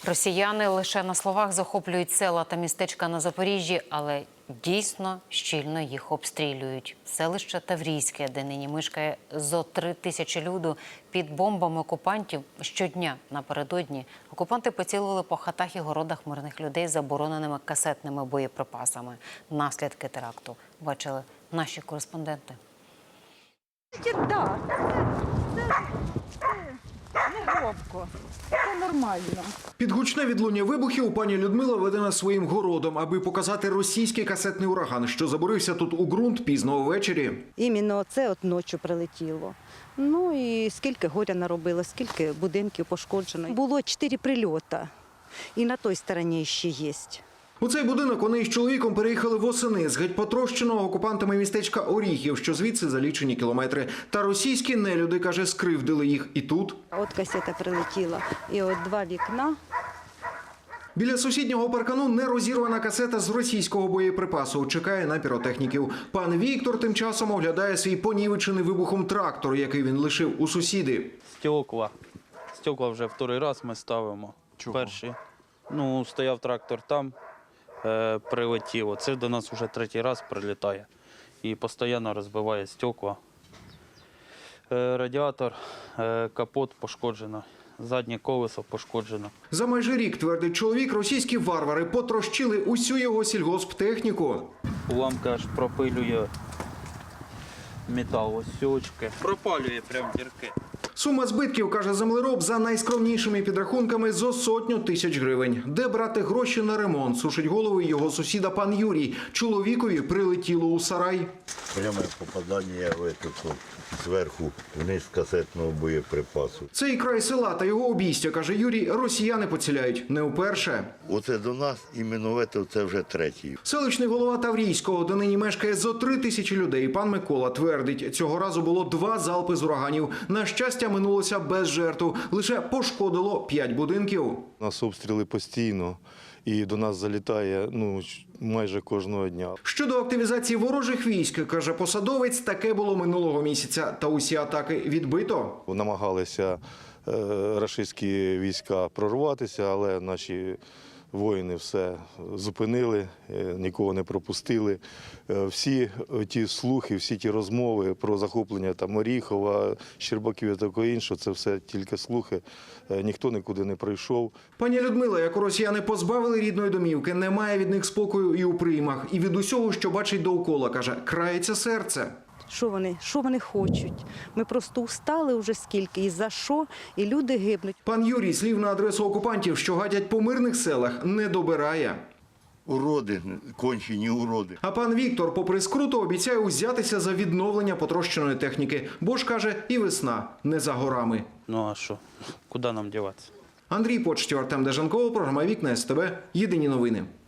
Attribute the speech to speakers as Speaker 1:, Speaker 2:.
Speaker 1: Росіяни лише на словах захоплюють села та містечка на Запоріжжі, але дійсно щільно їх обстрілюють. Селище Таврійське, де нині мешкає зо 3000 люду, під бомбами окупантів щодня напередодні окупанти поцілили по хатах і городах мирних людей забороненими касетними боєприпасами. Наслідки теракту бачили наші кореспонденти.
Speaker 2: Так, це не громко, це нормально.
Speaker 3: Під гучне відлуння вибухів пані Людмила веде нас своїм городом, аби показати російський касетний ураган, що заборився тут у ґрунт пізно ввечері.
Speaker 2: Іменно це от ночі прилетіло. Ну і скільки горя наробило, скільки будинків пошкоджено. Було 4 прильоти, і на той стороні ще є.
Speaker 3: У цей будинок вони із чоловіком переїхали восени з геть потрощеного окупантами містечка Оріхів, що звідси за лічені кілометри. Та російські нелюди, каже, скривдили їх і тут.
Speaker 2: От касета прилетіла, і от 2 вікна.
Speaker 3: Біля сусіднього паркану нерозірвана касета з російського боєприпасу. Чекає на піротехніків. Пан Віктор тим часом оглядає свій понівечений вибухом трактор, який він лишив у сусіди.
Speaker 4: Стекла вже вторий раз ми ставимо.
Speaker 3: Чого?
Speaker 4: Перший. Стояв трактор там, прилетіло. Це до нас вже 3-й раз прилітає. І постійно розбиває стекла. Радіатор, капот пошкоджено. Заднє колесо пошкоджено.
Speaker 3: За майже рік, твердить чоловік, російські варвари потрощили усю його сільгосптехніку.
Speaker 4: Уламка аж пропилює метал, ось сьочки. Пропалює прям дірки.
Speaker 3: Сума збитків, каже землероб, за найскромнішими підрахунками зо 100 000 гривень. Де брати гроші на ремонт, сушить голову його сусіда пан Юрій. Чоловікові прилетіло у сарай.
Speaker 5: Пряме попадання в этот, зверху вниз касетного боєприпасу.
Speaker 3: Цей край села та його обійстя, каже Юрій, росіяни поціляють не вперше.
Speaker 5: Оце до нас, іменно це вже 3-й.
Speaker 3: Селищний голова Таврійського, де нині мешкає зо 3000 людей, пан Микола твердить, цього разу було 2 залпи з ураганів. На щастя, минулося без жертв. Лише пошкодило 5 будинків.
Speaker 6: У нас обстріли постійно, і до нас залітає майже кожного дня.
Speaker 3: Щодо активізації ворожих військ, каже посадовець, таке було минулого місяця. Та усі атаки відбито.
Speaker 6: Намагалися рашистські війська прорватися, але наші воїни все зупинили, нікого не пропустили. Всі ті слухи, всі ті розмови про захоплення Оріхова, Щербаків і такого іншого, це все тільки слухи. Ніхто нікуди не прийшов.
Speaker 3: Пані Людмила, як росіяни позбавили рідної домівки, не має від них спокою і у приймах. І від усього, що бачить довкола, каже, крається серце.
Speaker 2: Що вони хочуть? Ми просто устали вже скільки, і за що, і люди гибнуть.
Speaker 3: Пан Юрій слів на адресу окупантів, що гадять по мирних селах, не добирає.
Speaker 5: Уроди, кончені уроди.
Speaker 3: А пан Віктор, попри скруту, обіцяє узятися за відновлення потрощеної техніки. Бо ж, каже, і весна не за горами.
Speaker 4: Ну а що? Куди нам діватися?
Speaker 3: Андрій Почтів, Артем Дежанков, програма «Вікна СТБ». Єдині новини.